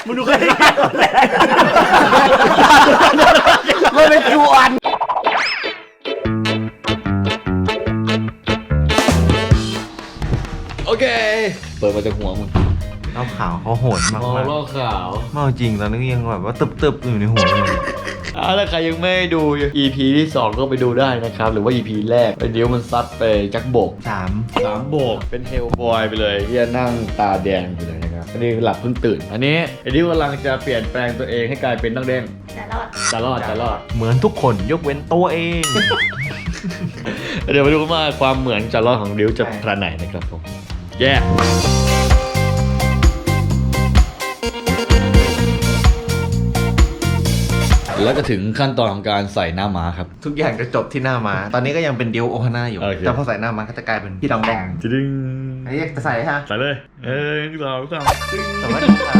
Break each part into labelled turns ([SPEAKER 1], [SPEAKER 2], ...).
[SPEAKER 1] มึงดูแค่
[SPEAKER 2] มันเป็นจวน
[SPEAKER 1] โอเคเปิดมาจากหัวมึง
[SPEAKER 2] เล่าข่าวเขาโหดมาก
[SPEAKER 1] อ๋อเล่าข่าว
[SPEAKER 2] เมาจริงตอนนี้ยังแบบว่าตึบๆอยู่ในหัวเลย
[SPEAKER 1] ถ้าใครยังไม่ดู EP ที่2ก็ไปดูได้นะครับหรือว่า EP แรกไอ้เดี๋ยวมันซัดไปจักโบก 3 โบกเป็นเฮลบอยไปเลยที่จะนั่งตาแดงไปเลยนะครับอันนี้หลับเพิ่งตื่นอันนี้ไอ้ดิวกำลังจะเปลี่ยนแปลงตัวเองให้กลายเป็นนักเด้งจะรอด
[SPEAKER 2] เหมือนทุกคนยกเว้นตัวเอง
[SPEAKER 1] เดี๋ยวมาดูกันว่าความเหมือนจะรอดของดิวจะขนาดไหนนะครับผมแย่แล้วก็ถึงขั้นตอนของการใส่หน้าม้าครับ
[SPEAKER 2] ทุกอย่างจะจบที่หน้ามา ตอนนี้ก็ยังเป็นดิวโอฮาน่าอยู่
[SPEAKER 1] โอเค
[SPEAKER 2] แต่พอใส่หน้ามาก็จะกลายเป็นพี่ดองแดง
[SPEAKER 1] ดึง
[SPEAKER 2] ไอ้เรียกจะใส่ฮะ
[SPEAKER 1] ใส่เลย2 3
[SPEAKER 2] สวัสดีครับ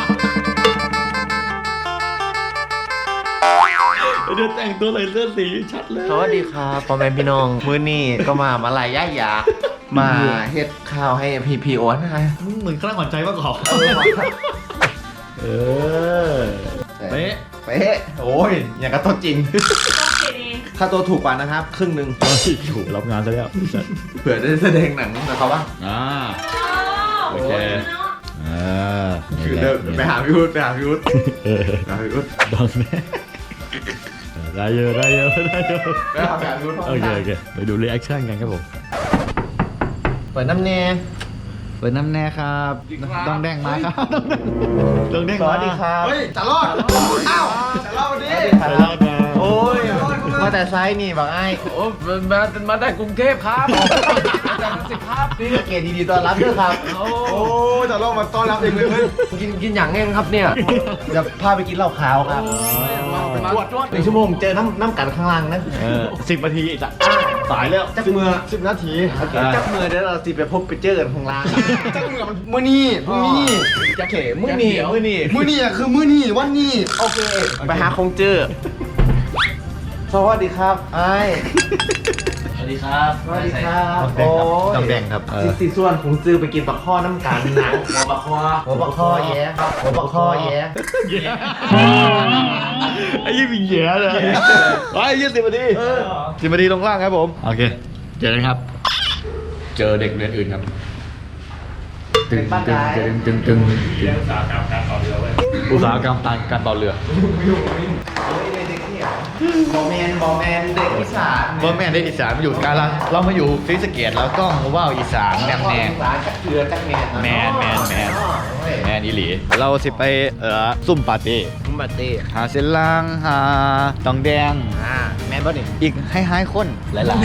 [SPEAKER 1] เดี๋ยวแต่งตัวใส่เสื้อสีชัดเลย
[SPEAKER 2] สวัสดีครับพ่อแม่พี่น้องมื้อนี้ก็มาลายย่ายามาเฮ็ดข้าวให้พี่โอฮาน่า
[SPEAKER 1] เหมือนคลั่งหวานใจมากกว่าเป๊ะ
[SPEAKER 2] เป๊ะโอ้ยอย่างกับตัวจริงค่าตัวถูกกว่านะครับครึ่งหนึ่ง
[SPEAKER 1] ถูกรับงานซะแล้ว
[SPEAKER 2] เผื่อได้แสดงหนังกับเขาบ้าง
[SPEAKER 1] โอเค
[SPEAKER 2] คือเดินไปหาพี่วุฒิไปหาพี่วุฒิ
[SPEAKER 1] ดังแน่ได้เยอะ
[SPEAKER 2] ไปหาพี่วุฒิ
[SPEAKER 1] โอเคไปดูรีแอคชั่นกันครับผม
[SPEAKER 2] เปิดน้ำแน่
[SPEAKER 1] เปิดน้ำแน่ครับต้องแดงมาครับต้องแดง
[SPEAKER 2] สวัสดีครับ
[SPEAKER 3] เฮ้ยจะรอดอ้าวจะรอดดิ
[SPEAKER 2] โอ้ยมาแต่ไซส์นี่บอกไอ้
[SPEAKER 3] โอ้มาได้กรุงเทพครับจากสิครับ
[SPEAKER 2] นี่เกตดีๆต้อนรับด้วยครับ
[SPEAKER 3] โอ้จะรอดมาต้อนรับเองเลยกินอย่างเงี้ยครับเนี่ย
[SPEAKER 2] จะพาไปกินเหล้าขาวครับ
[SPEAKER 3] ตรวจ
[SPEAKER 2] 1 ชั่วโมงเจอน้ำกันข้างล่างนะ
[SPEAKER 1] 10 นาทีอีกสายแล้ว
[SPEAKER 2] จักมือ
[SPEAKER 3] 10 นาที
[SPEAKER 2] จักมือเดี๋ยวเราสิไปพบไปเจอกันข้างล่าง
[SPEAKER 3] จังเหมือนมื้อนี้
[SPEAKER 2] จะเขมื้อนี่
[SPEAKER 3] อ่ะคือมื้อนี้วันนี้
[SPEAKER 2] โอเคไปหาคงเจอสวัสดีครับไอ้
[SPEAKER 1] สวัสดีครับ
[SPEAKER 2] สวัสดีครับโอ้
[SPEAKER 1] ต้องแดงครับ
[SPEAKER 2] สิส่วนของซื้อไปกินปลาข้อน้ำกันนะหัวปลาข้อแย่หัวปลาข้อแย่
[SPEAKER 1] ไอ้ยี่มีแย่เลยไอ้ยี่10 นาที10 นาทีตรงล่างครับผมโอเคเจอกันครับ เจอเด็กเรียนอื่นครับตึงอุตสาหกรรมการต่อเรือ
[SPEAKER 2] บอแมนเด็กอีสาน
[SPEAKER 1] ว่าแม่ได้อีสานมาอยู่กาลเรามาอยู่ศรีสะเกษแล้วก็มาว่าอีสานแนมแนม
[SPEAKER 2] อีสานจักเกลือจักแมน
[SPEAKER 1] แมนอีหลีเราสิไปซุ่มปาร์ตี้
[SPEAKER 2] มุมบัตเต้
[SPEAKER 1] หาเส้นล่างหาตองแดง
[SPEAKER 2] แมนบ่นี่
[SPEAKER 1] อีกให้คนหลาย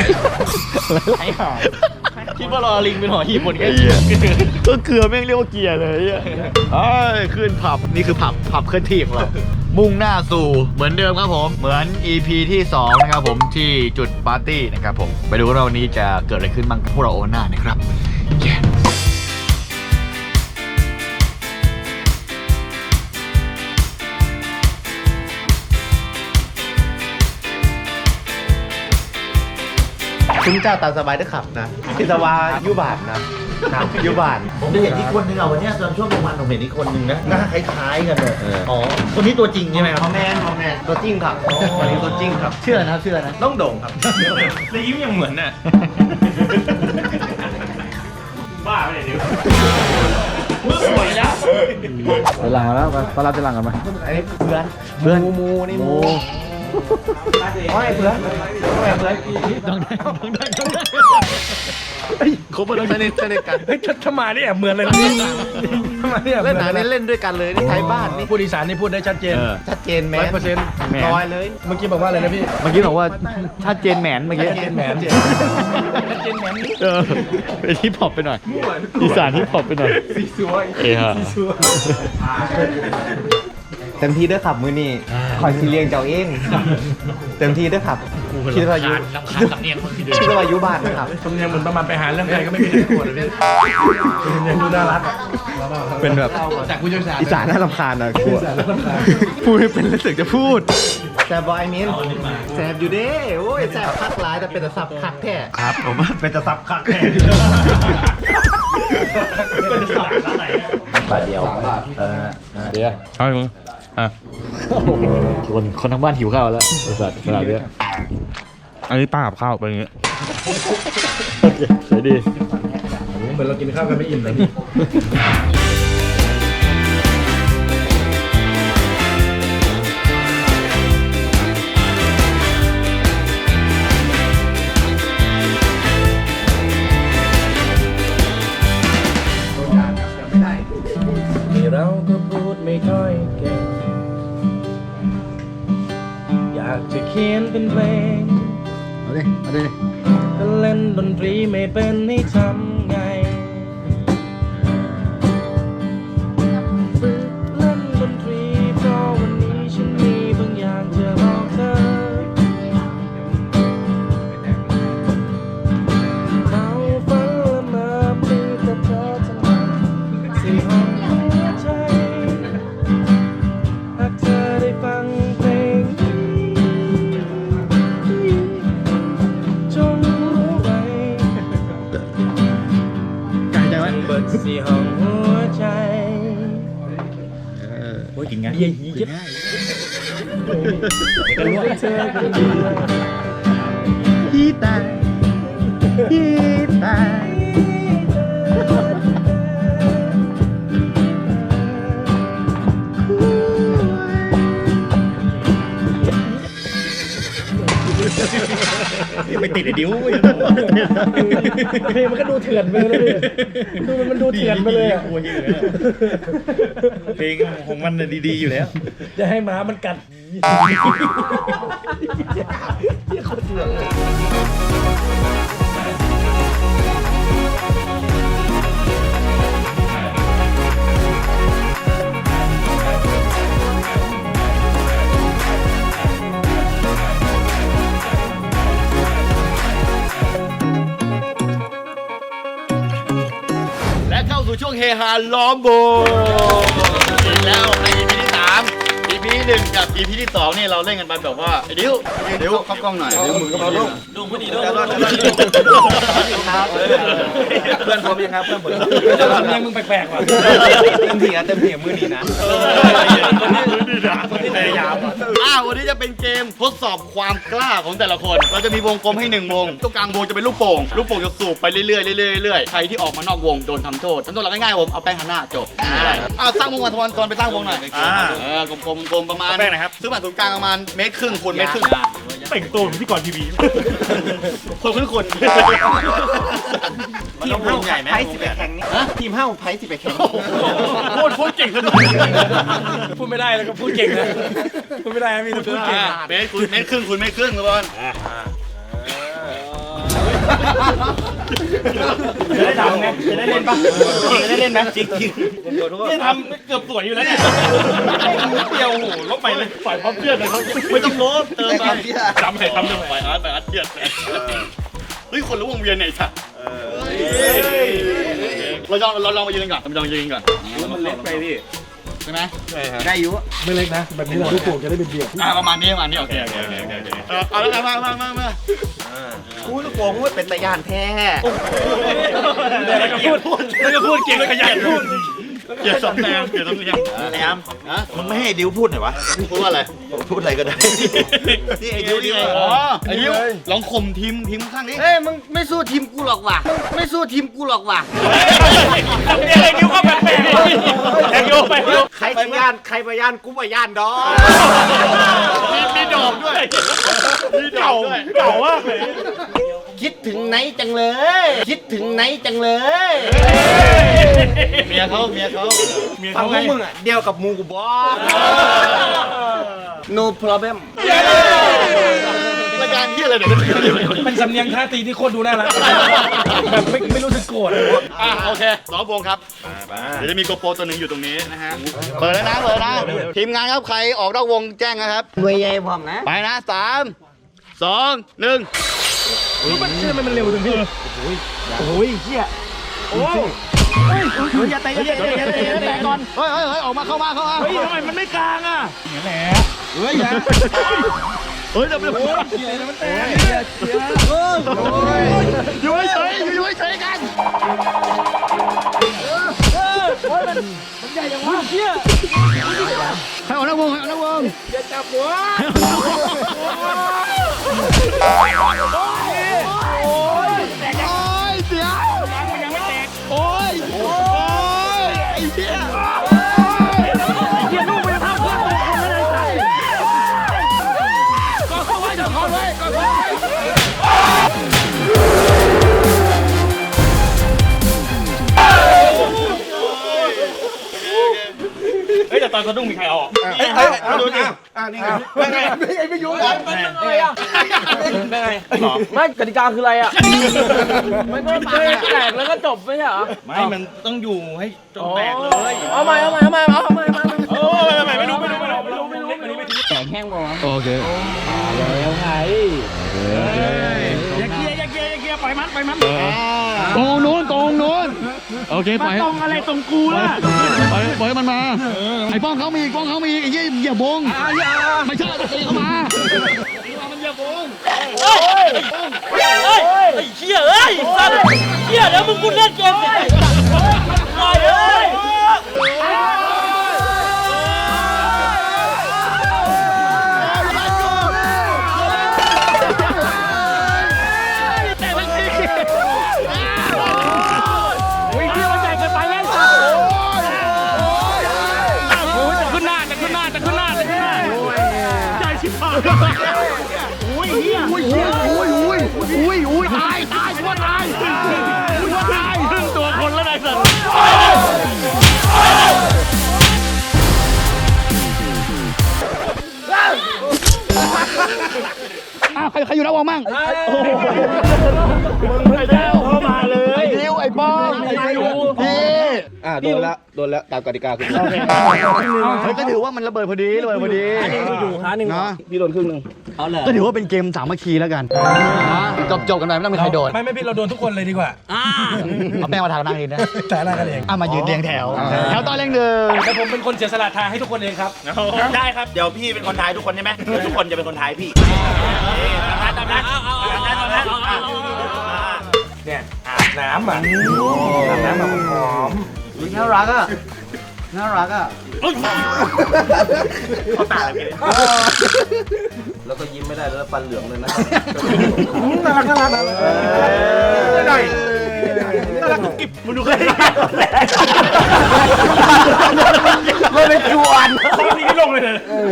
[SPEAKER 1] คิดว่ารอลิงเป็นหอหีบหมดกันก็เกลือแม่งเรียกว่าเกียร์เลยขึ้นผับนี่คือผับเคลื่อนที่ของเรามุ่งหน้าสู่เหมือนเดิมครับผมเหมือน EP ที่2นะครับผมที่จุดปาร์ตี้นะครับผมไปดูว่าวันนี้จะเกิดอะไรขึ้นบ้างกับพวกเราโอน่านะครับ
[SPEAKER 2] คุณเจ้าตามสบายด้วยขับนะพิศวายุบานนะยุบาน
[SPEAKER 4] ผมได้เห็นอีกคนนึงอ่ะวันเนี้ยตอนช่วงกลางวันผมเห็นอีกคนนึงนะหน้าคล้ายๆกันเลยอ๋อคนนี้ตัวจริงใช่ไหมครับ
[SPEAKER 2] บอแมนตัวจริงครับวันนี้ตัวจริงครับ
[SPEAKER 1] เชื่อนะ
[SPEAKER 2] ต้องโด่งครับ
[SPEAKER 3] แล้วยิ้มยังเหมือนน่ะบ้าไปเลยดิวมึงสวยแล้ว
[SPEAKER 1] ไปหลังมาแล้วเขารับจะหลังกันไหม
[SPEAKER 2] อันนี้เพื่อนมูนี่มูไม่เพื่อน
[SPEAKER 1] ต้องได้ครบแล้ว
[SPEAKER 2] สนิทกัน
[SPEAKER 3] เฮ้ยถ้ามาเนี่ยเหมือนเลยนะถ้ามาเนี่ย
[SPEAKER 2] เล่นหนังนี่เล่นด้วยกันเลยนี่ไทยบ้านนี่
[SPEAKER 3] พูดอีสานนี่พูดได้ชัดเจน
[SPEAKER 2] ชัดเจนแมน
[SPEAKER 3] 100%
[SPEAKER 2] ร้อยเลย
[SPEAKER 3] เมื่อกี้บอกว่าอะไรนะพี่
[SPEAKER 1] เมื่อกี้บอกว่าชัดเจนแหมนเมื่อกี้
[SPEAKER 3] ชัดเจนแหมนนี่
[SPEAKER 1] เป็นฮิปฮอปไปหน่อยอีสานฮิปฮอปไปหน่อยฮะ
[SPEAKER 2] เต็มที่ด้วยขับมือนี่คอยซีเรียงเจ้าเองเต็มที่ด้วยขับคิดว่ายุคิดว่ายุบ้านนะครับ
[SPEAKER 3] สำเนียงเหมือนประมาณไปหาเรื่องใครก็ไม่มีใครโกรธเลยพี่สำเนียงดูน่ารัก
[SPEAKER 2] เป็นแบบ
[SPEAKER 3] จากผู้เชี่ยวชาญ
[SPEAKER 2] อีสานน่ารำคาญนะกลัวพูดไม่เป็นแล้วสึกจะพูดแซบบอยมินแซบอยู่เด้โอ้ยแซบคักหลายแต่เป็นแต่สับคักแท้
[SPEAKER 4] ครับผมว่าเป็นจะซับคักแน่
[SPEAKER 3] เป็นสับอะไร
[SPEAKER 4] บาทเดียว
[SPEAKER 1] เดี๋ยว
[SPEAKER 3] เอามึงอ่ะ
[SPEAKER 1] คนทั้งบ้านหิวข้าวแล้วบริษัทขนาดนี้
[SPEAKER 3] อันนี้ป้ากับข้าวเป็นอย่างเงี้ย
[SPEAKER 1] โอเคใช้ดี
[SPEAKER 3] เหมือนเรากินข้าวกันไม่อิ่มเลยพี่ เราก็พูดไม่ค่อยเก่งอยากจะเขียนเป็นเพลง
[SPEAKER 2] เอาดิเอาดิ
[SPEAKER 3] แต่เล่นดนตรีไม่เป็นให้ทำไงฝึกเล่นดนตรีเพราะวันนี้ฉันมีบางอย่างจะบอกเธอเราฝันละเมอมีแต่เธอทั้งนั้นที่ห้องหัวใจหากเธอได้ฟังเพลงนี้จงรู้ไว้
[SPEAKER 2] ไก่ใจไว้
[SPEAKER 3] เปิดสีห้องหัวใจ
[SPEAKER 2] โอ้ยกินไง
[SPEAKER 3] เยี่ยเยี่ยกันรู้เธอคนเดียว
[SPEAKER 2] ฮีตายฮีตาย
[SPEAKER 4] ไปติดไอ้ดิ้ว
[SPEAKER 3] เพลงมันก็ดูเถื่อนไปเลยดูมันดูเถื่อนไปเลยอะ
[SPEAKER 4] เพลงของมันดีๆอยู่แล้ว
[SPEAKER 3] จะให้หมามันกัด
[SPEAKER 1] และเข้าสู่ช่วงเฮฮาล้อมวงอีกแล้วใน EP ที่3 EP ที่1กับ EP ที่2นี่เราเล่นกันไปแบบว่าไอ้ดิวเข้ากล้องหน่อยดิวมือเข้ากล้องดูพอดีด้วยเพื่อนผมยังครับเพื่อนผม
[SPEAKER 3] ยังมึงแปลกๆว่ะ
[SPEAKER 2] เต็มที่มือดีนะ
[SPEAKER 1] พยายามวันนี้จะเป็นเกมทดสอบความกล้าของแต่ละคน เราจะมีวงกลมให้1วงตรงกลางวงจะเป็นลูกโป่งจะสูบไปเรื่อยๆเรื่อยๆใครที่ออกมานอกวงโดนทำโทษเราง่ายๆผมเอาแป้งทาหน้าจบสร้างวงกันทวนไปสร้างวงหน่อยกลมประมาณแป้งนะครับซื้อมาตรงกลางประมาณ1.5 คูณ1.5 เมตร
[SPEAKER 3] แต่งตัวเหมือนพี่ก่อนทีวี
[SPEAKER 1] คนขึ้นคน
[SPEAKER 2] ทีมเฮ้าไพ่สิไปแข่งนี่ทีมเฮ้าไพ่สิไปแข่ง
[SPEAKER 1] พูดเก่งขนาด
[SPEAKER 3] พูดไม่ได้แล้วก็พูดเก่งนะพูดไม่ได้มีแต่พูดเก่ง
[SPEAKER 1] เมตรครึ่งทุกคน
[SPEAKER 3] จะได้ทำไงจะได้เล่นปะจะได้เล่นไหมจริงๆจะทำเกือบสวยอยู่แล้วเนี่ยเดียวโหลบไปเลยฝ่ายพร้อมเพื่อนเลยเขา
[SPEAKER 1] ไม่ต้องลบเติมไป
[SPEAKER 3] จำให้ทำด้วย
[SPEAKER 1] ไปอาร์ตเทียดเฮ้ยคนรู้วงเวียนไหนสัตว์เราลองมายืนก่อนมันเล็กไปพี่ใช่ไหมได้อยู่
[SPEAKER 3] ไม่เล็กนะแบบนี้เราลูกโป่งจะได้เป็นเบียร์
[SPEAKER 1] ประมาณนี้โอเคเอาแล้วมา
[SPEAKER 2] กูลูกโป่งว่าเป็นตะยานแท้
[SPEAKER 3] แล้วก็พูดเก่งขยันพูด
[SPEAKER 1] เกียร์สำเนียง
[SPEAKER 4] แอมมึงไม่ให้ดิวพูดหน่อยวะ
[SPEAKER 1] พูดว่าอะไร
[SPEAKER 4] พูดอะไรก็ได้ นี่ไอ้ดิวนี่
[SPEAKER 1] อ๋อไอ้ดิวลองข่มทีมข้างนี้
[SPEAKER 2] เอ้ยมึงไม่สู้ทีมกูหรอกว่ะไม่สู้ทีมกูหรอกว่ะ
[SPEAKER 3] ไอ้ดิวก็แปลกๆไอ้ดิวไปดิว
[SPEAKER 2] ใครพยานกูพยานดอก
[SPEAKER 1] มีดอกด้วย
[SPEAKER 3] เก่ามากเลย
[SPEAKER 2] คิดถึงไหนจังเลย
[SPEAKER 1] เมียเขา
[SPEAKER 2] ฟังพวกมึงอ่ะเดียวกับมูกูบอส no problem
[SPEAKER 1] รายการที่อะไรเดี๋ยว
[SPEAKER 3] เป็นสำเนียงท่าตีที่โคตรดูน่ารักแบบไม่รู้สึกโกรธ
[SPEAKER 1] โอเคล้อมวงครับเดี๋ยวจะมีโกโปรตัวหนึ่งอยู่ตรงนี้นะฮะเปิดแล้วนะทีมงานครับใครออกนอกวงแจ้งนะครับ
[SPEAKER 2] เวยใหญ่พร้อมนะ
[SPEAKER 1] ไปนะ3 2 1
[SPEAKER 3] มันเชื่อมันเร็วจังพี่
[SPEAKER 2] โอ้ยเฮียโอ้ยอย่าเตะก่อน
[SPEAKER 1] เฮ้ยออกมาเข้ามา
[SPEAKER 3] เฮ้ยทำไมมันไม่กลางอ่ะอย่างนั้นแหละ
[SPEAKER 1] เฮ้ยเดี๋ยว
[SPEAKER 3] มันแตก
[SPEAKER 1] อยู่เฉยกัน
[SPEAKER 3] เฮ้ยแต่ตอนสะดุ้งมีใครเอาออกดูดินี่ไงไม่ยุ่งเลยไม่กติกาคืออะไรอ่ะมันก็แตกแล้วก็จบไม่ใช่เหรอไม่มันต้องอยู่ให้จนแตกเลยเอาใหม่ไม่รู้แข็งแห้งบ่โอเคแล้วไงอย่าเกียร์ปล่อยมัน
[SPEAKER 1] ตรงนู้นโอเคไป
[SPEAKER 3] ตรงอะไรตรงกูล่ะ
[SPEAKER 1] ปล่อยมันมาไอ้ป้องเขามีไอ้เหี้ยอย่าบงไม่ใช่ตีเข้ามามันอย่าบง
[SPEAKER 3] ไอ้เหี้ยเอ้ยสัตว์เหี้ยแล้วมึงกูเล่นเกมสิปล่อยเอ้ย
[SPEAKER 1] ใครอยู่ระวังมั่ง
[SPEAKER 3] มึงไอ้เจ้าเข้ามาเลย
[SPEAKER 1] ไอ้ดิวไอ้ป้องไอ้ดิวพี่
[SPEAKER 2] โดนแล้วตามกติกาคุณ
[SPEAKER 1] ก็ถือว่ามันระเบิดพอดี
[SPEAKER 3] อยู่ค้าหนึ่งนะพี่โดนครึ่งนึง
[SPEAKER 1] ก็ถือว่าเป็นเกมสามัคคีแล้วกันจบกันไปไม่ต้องมีใครโดน
[SPEAKER 3] ไม่พี่เราโดนทุกคนเลยดีกว่า
[SPEAKER 1] เอาแป้งมาทานั่งดีนะ
[SPEAKER 3] แต่ละกันเอง
[SPEAKER 1] มายืนเรียงแถวตอนเรียงหนึ่ง
[SPEAKER 3] แต่ผมเป็นคนเสียสละทางให้ทุกคนเองครับ
[SPEAKER 4] ได้ครับเดี๋ยวพี่เป็นคนทายทุกคนใช่ไหมทุกคนจะเป็นคนทายพี่ตามนั้น
[SPEAKER 3] เนี่ยอาบน้ำหอม
[SPEAKER 2] น่ารักอ่ะ
[SPEAKER 4] เขาตาเลยพี่
[SPEAKER 2] แล้วก็ยิ้มไม่ได้แล้วฟันเหลืองเลยนะ
[SPEAKER 3] น่ารักกิ๊บมึงดูเคย
[SPEAKER 2] ไม่เป็นจวน
[SPEAKER 3] เขาทีนี้ลงเลย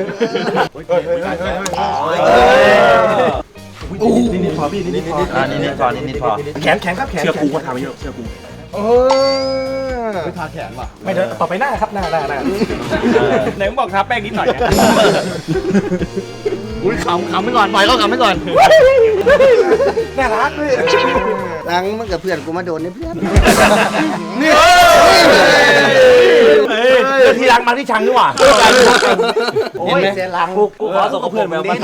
[SPEAKER 2] นิดพอพี่นิดพอ
[SPEAKER 3] แขนครับแขนเชือกกูมาทำไปเยอะเชือกกู
[SPEAKER 2] ไม่ทาแขนว่ะ
[SPEAKER 3] ไม่เดินต่อไปหน้าครับหน้าไหนมึงบอกทาแป้งนิดหน่อย
[SPEAKER 1] อุ้ยขำไปก่อนปล่อยเขาขำไปก่อน
[SPEAKER 3] น่ารักเลย
[SPEAKER 2] ล้างมันกับเพื่อนกูมาโดนนี่เพื่อน
[SPEAKER 3] นี่ที่รังมาที่ชังดีกว่า
[SPEAKER 2] โอ้ยเสียหลัง
[SPEAKER 3] กูขอส่งกับเพื่อนมาบ้าง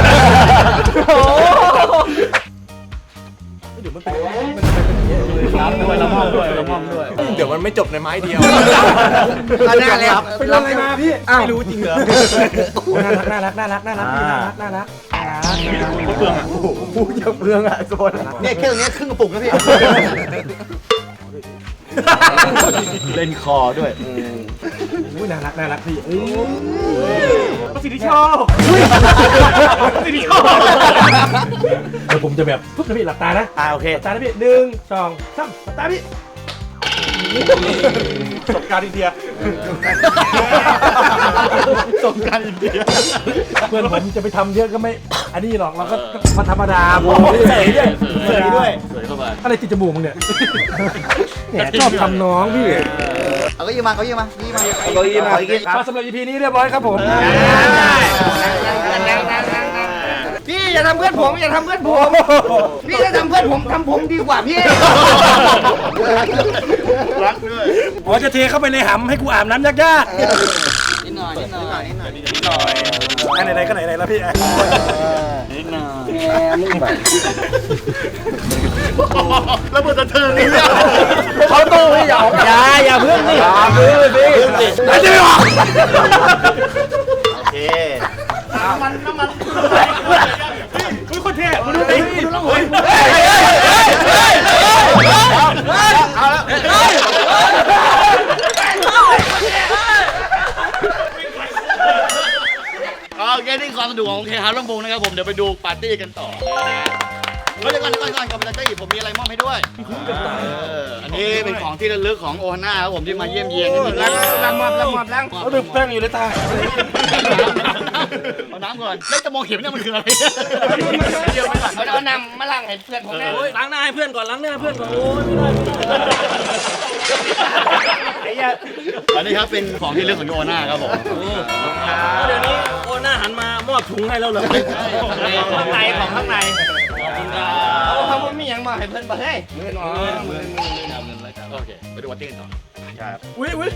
[SPEAKER 3] เดี๋ยวมันไปละม่อมด้วยเดี๋ยวมันไม่จบในไม้เดียว
[SPEAKER 2] น่ารัก
[SPEAKER 3] เป็นอะไรมาพี่ไม่รู้จริงเหรอน่ารักเปลืองอ่ะ
[SPEAKER 2] จะเปลืองอ่ะโซนเนี่ยแค่ตรงนี้ครึ่งกระปุกนะพี่
[SPEAKER 1] เล่นคอด้วย
[SPEAKER 3] น่ารักพี่ประสิทธิโชคเดี๋ยวผมจะแบบปุ๊บนะพี่หลับตานะ
[SPEAKER 4] โอเค
[SPEAKER 3] หลับตานะพี่1 2 3หลับตาพี่ประสบการณ์อินเดียเพื่อนผมจะไปทำเยอะก็ไม่อันนี้หรอกเราก็มาธรรมดา
[SPEAKER 4] เสยด้วย
[SPEAKER 3] เข้ามาอะไรติดจมูกมึงเนี่ยชอบทำน้องพี่
[SPEAKER 2] เอาก็ยืมมา
[SPEAKER 3] สำหรับ EP นี้เรียบร้อยครับผม
[SPEAKER 2] พี่อย่าทำเพื่อนผมพี่จะทำเพื่อนผมทำผมดีกว่าพี่
[SPEAKER 3] รักด้วยจะเทเข้าไปในหำให้กูอาบน้ำยาก
[SPEAKER 2] ๆนิดหน่อย
[SPEAKER 3] ไหนก็ไหนแล้วพี่
[SPEAKER 2] นิดหน่อยมึงแบบ
[SPEAKER 3] แล้วมึงจะเทิงนี่
[SPEAKER 2] เขาตู้ไม่ยอมอย่าเพิ่งนี่
[SPEAKER 3] ไม่ได้หรอ
[SPEAKER 4] โอเค
[SPEAKER 3] น้ำมันคุณคนเท่คุณดูดิ
[SPEAKER 4] เอาแล้วโอเคนี่
[SPEAKER 1] ดูของโอเคฮาร์ดลำโพงนะครับผมเดี๋ยวไปดูปาร์ตี้กันต่อเดี๋ยวก่อนก่อนไปเลยผมมีอะไรมอบให้ด้วยอันนี้เป็นของที่ระลึกของโอฮาน่าครับผมที่มาเยี่ยมเยียน
[SPEAKER 3] ล้างเอาดึกแป้งอยู่ในตา
[SPEAKER 1] เอาน้ำก่อนแล้วจะมองเห็นเนี่ยมันคืออะไร
[SPEAKER 3] เดี๋ยวไปก่อนเอาน้ำมาล้างให้เพื่อนผมนะล้างหน้าให้เพื่อนก่อนล้างหน้าเพื่อนก่อนโอ้ยไม่ได้
[SPEAKER 1] อันนี้ครับเป็นของที่ระลึกของโอฮาน่าครับผม
[SPEAKER 3] เดี๋ยวนี้โอน่าหันมามอบถุงให้เราเลยของข้างในเอาทำว่ามีอย่างมาให้เพื่อนมาให้เงินโอเคไปดูวัตตี้กันต่อครับอุ้ย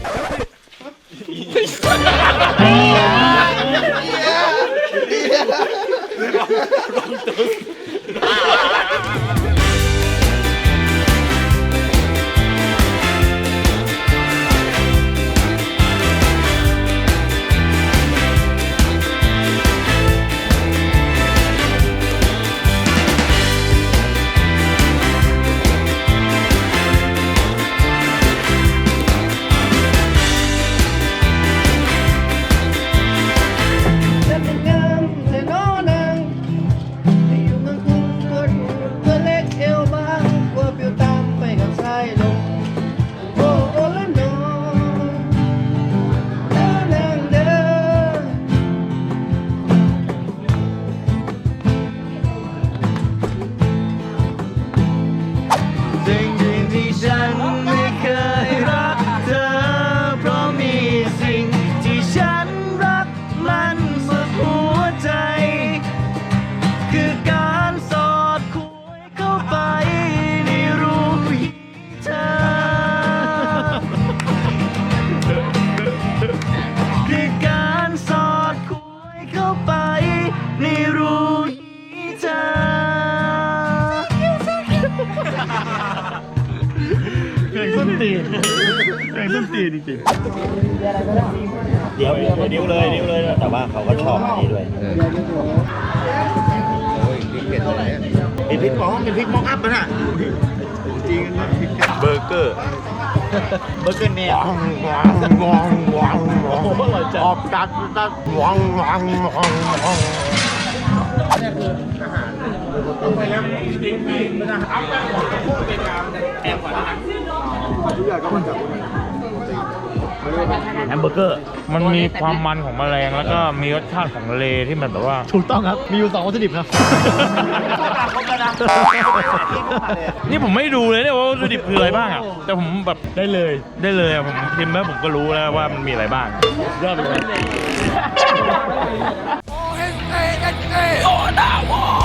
[SPEAKER 1] สิ่งที่ฉันไม่เคยรักเธอเพราะมีสิ่งที่ฉันรักมันสุดหัวใจ คือการสอดคุยเข้าไปในรูปเธอ คือการสอดคุยเข้าไปในรูปเธอ
[SPEAKER 4] เพลงส้นตีนจริงๆเดี๋ยวนิ้วเลยแต่ว่าเขาก็ชอบอันนี้ด้วยเป็นพริกมองอัพนะจริงเบอร์เกอร์เนี่ยออกดัดวังแฮมเบอร์เกอร์
[SPEAKER 5] มันมีความมันของแมลงแล้วก็มีรสชาติของทะเลที่มันแบบว่า
[SPEAKER 2] ถูกต้องครับมีอยู่2วัตถุดิบครับ
[SPEAKER 5] นี่ผมไม่ดูเลยเนี่ยว่าวัตถุดิบคืออะไรบ้างอ่ะแต่ผมแบบได้เลยอะผมชิมแล้วผมก็รู้แล้วว่ามันมีอะไรบ้างยอดไปเลย